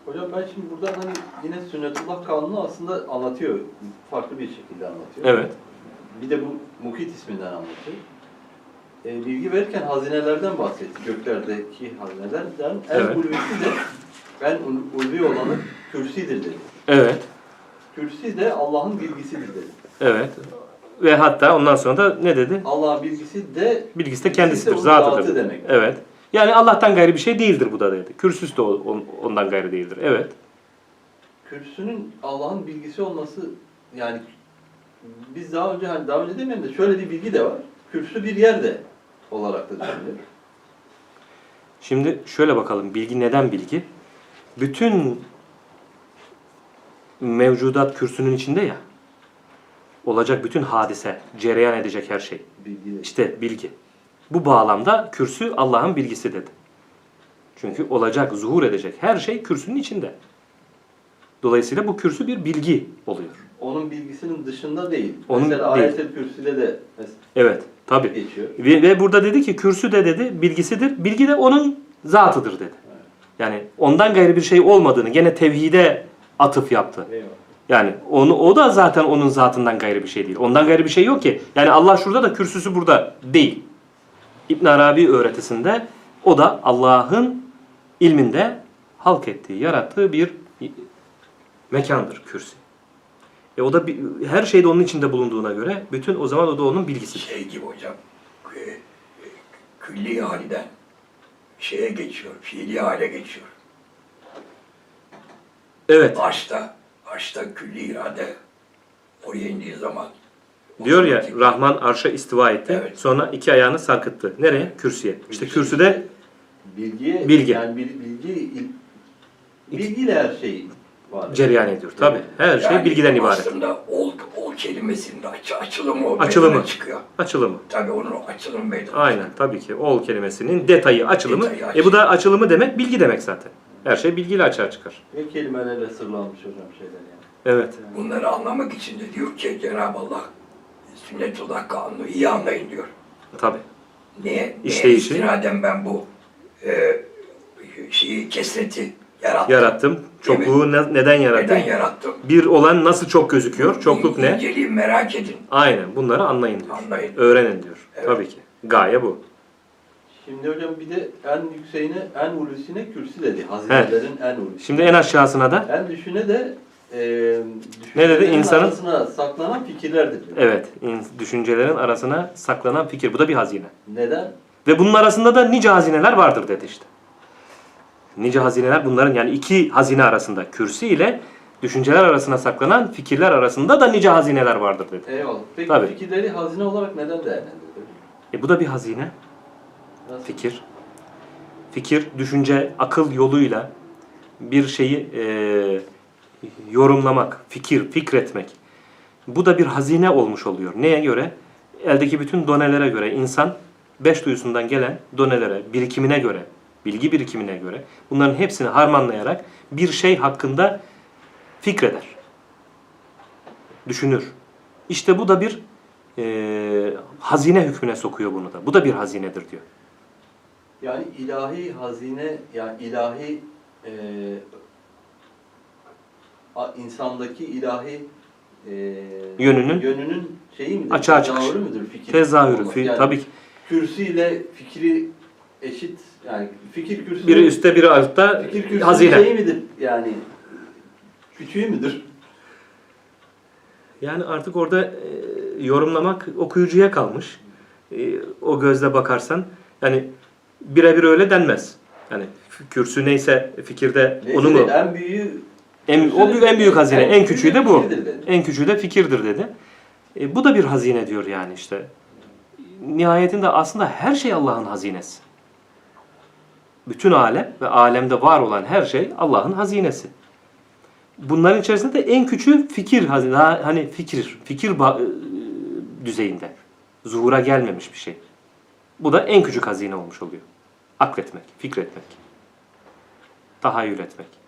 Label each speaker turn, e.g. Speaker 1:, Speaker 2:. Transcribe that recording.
Speaker 1: Hocam ben şimdi burada hani yine sünnetullah kanunu aslında anlatıyor. Farklı bir şekilde anlatıyor.
Speaker 2: Evet.
Speaker 1: Bir de bu Mukit isminden anlatıyor. Bilgi verirken hazinelerden bahsetti. Göklerdeki hazinelerden en
Speaker 2: Evet.
Speaker 1: ulvisi de en ulvi olanı kürsidir dedi.
Speaker 2: Evet.
Speaker 1: Kürsi de Allah'ın bilgisidir dedi.
Speaker 2: Evet. Ve hatta ondan sonra da ne dedi?
Speaker 1: Allah'ın
Speaker 2: Bilgisi de kendisidir,
Speaker 1: onun
Speaker 2: zatıdır.
Speaker 1: zatı demek.
Speaker 2: Evet. Yani Allah'tan gayrı bir şey değildir bu da dedi. Kürsüsü de ondan gayrı değildir. Evet.
Speaker 1: Kürsünün Allah'ın bilgisi olması, yani biz daha önce demeyelim de şöyle bir bilgi de var. Kürsü bir yerde olarak da düşünülüyor.
Speaker 2: Şimdi şöyle bakalım. Bilgi neden bilgi? Bütün mevcudat kürsünün içinde ya. Olacak bütün hadise, cereyan edecek her şey.
Speaker 1: Bilgi de.
Speaker 2: İşte bilgi. Bu bağlamda kürsü Allah'ın bilgisi dedi. Çünkü olacak, zuhur edecek her şey kürsünün içinde. Dolayısıyla bu kürsü bir bilgi oluyor.
Speaker 1: Onun bilgisinin dışında değil.
Speaker 2: Onun
Speaker 1: mesela
Speaker 2: değil.
Speaker 1: ayet-el kürsüde de
Speaker 2: Evet, tabii.
Speaker 1: geçiyor.
Speaker 2: Ve burada dedi ki kürsü de dedi bilgisidir. Bilgi de onun zatıdır dedi.
Speaker 1: Evet.
Speaker 2: Yani ondan gayrı bir şey olmadığını gene tevhide atıf yaptı.
Speaker 1: Eyvallah.
Speaker 2: Yani o da zaten onun zatından gayrı bir şey değil. Ondan gayrı bir şey yok ki. Yani Allah şurada da kürsüsü burada değil. İbn Arabi öğretisinde o da Allah'ın ilminde halk ettiği, yarattığı bir mekandır kürsü. O da her şeyde onun içinde bulunduğuna göre bütün o zaman o da onun bilgisidir.
Speaker 3: Şey gibi hocam, külli halden şeye geçiyor, fiili hale geçiyor.
Speaker 2: Evet.
Speaker 3: Başta külli irade oraya indiği zaman.
Speaker 2: Diyor ya Rahman arşa istiva etti.
Speaker 3: Evet.
Speaker 2: Sonra iki ayağını sarkıttı. Nereye? Kürsüye. İşte kürsüde bilgi.
Speaker 1: Yani bilgiyle her şey var.
Speaker 2: cereyan ediyor. Tabii. Her şey
Speaker 3: Yani
Speaker 2: bilgiden ibaret.
Speaker 3: Aslında ol kelimesinin açılımı
Speaker 2: Açılımı.
Speaker 3: çıkıyor.
Speaker 2: Açılımı.
Speaker 3: Tabii onun açılımı meydana
Speaker 2: Aynen. Tabii ki. Ol kelimesinin detayı, açılımı.
Speaker 3: Detayı,
Speaker 2: Bu da açılımı demek, bilgi demek zaten. Her şey bilgiyle açığa çıkar.
Speaker 1: Ve kelimelerle sırlanmış hocam şeyler yani.
Speaker 2: Evet.
Speaker 3: Bunları anlamak için de diyor ki Cenab-ı Allah sünnetullah kanunu iyi anlayın diyor.
Speaker 2: Tabii.
Speaker 3: Niye?
Speaker 2: İşleyişi.
Speaker 3: İstinaden ben bu kesreti yarattım.
Speaker 2: Yarattım. Çokluğu neden yarattım?
Speaker 3: Neden yarattım?
Speaker 2: Bir olan nasıl çok gözüküyor? Çokluk ne?
Speaker 3: İnceliği merak edin.
Speaker 2: Aynen. Bunları anlayın diyor.
Speaker 3: Anlayın.
Speaker 2: Öğrenin diyor.
Speaker 3: Evet.
Speaker 2: Tabii ki. Gaye bu.
Speaker 1: Şimdi hocam bir de en yükseğine, en ulusine kürsü dedi. Hazinelerin en ulusu.
Speaker 2: Şimdi en aşağısına da
Speaker 1: En düşüne de
Speaker 2: ne dedi? İnsanın
Speaker 1: arasına saklanan fikirlerdir diyor.
Speaker 2: evet, düşüncelerin arasına saklanan fikir. Bu da bir hazine.
Speaker 1: Neden?
Speaker 2: Ve bunun arasında da nice hazineler vardır dedi işte. Nice hazineler bunların yani iki hazine arasında kürsü ile düşünceler arasına saklanan fikirler arasında da nice hazineler vardır dedi.
Speaker 1: Eyvallah. Peki
Speaker 2: Tabii.
Speaker 1: fikirleri hazine olarak neden değerlendiriyor?
Speaker 2: Bu da bir hazine.
Speaker 1: Nasıl?
Speaker 2: Fikir. Fikir, düşünce, akıl yoluyla bir şeyi yorumlamak, fikretmek. Bu da bir hazine olmuş oluyor. Neye göre? Eldeki bütün donelere göre insan beş duyusundan gelen donelere, birikimine göre, bilgi birikimine göre bunların hepsini harmanlayarak bir şey hakkında fikreder. Düşünür. İşte bu da bir hazine hükmüne sokuyor bunu da. Bu da bir hazinedir diyor.
Speaker 1: Yani ilahi hazine, yani ilahi insandaki ilahi yönünün şeyi midir?
Speaker 2: Açığa çıkış.
Speaker 1: Tezahürü müdür? Fikir
Speaker 2: Tezahürü.
Speaker 1: olması. Yani
Speaker 2: Tabii ki.
Speaker 1: kürsüyle fikri eşit, yani fikir kürsü.
Speaker 2: Biri üstte biri altta
Speaker 1: fikir kürsünün
Speaker 2: hazine.
Speaker 1: şeyi midir? Yani küçüğü müdür?
Speaker 2: Yani artık orada yorumlamak okuyucuya kalmış. O gözle bakarsan yani birebir öyle denmez. Yani kürsü neyse fikirde
Speaker 1: Neyse
Speaker 2: onu mu?
Speaker 1: en büyüğü
Speaker 2: En büyük hazine, en küçüğü de bu.
Speaker 1: fikirdir dedi.
Speaker 2: En küçüğü de fikirdir dedi. Bu da bir hazine diyor yani işte. Nihayetinde aslında her şey Allah'ın hazinesi. Bütün alem ve alemde var olan her şey Allah'ın hazinesi. Bunların içerisinde de en küçüğü fikir hazine, hani fikir düzeyinde. Zuhura gelmemiş bir şey. Bu da en küçük hazine olmuş oluyor. Akletmek, fikretmek, tahayyül etmek.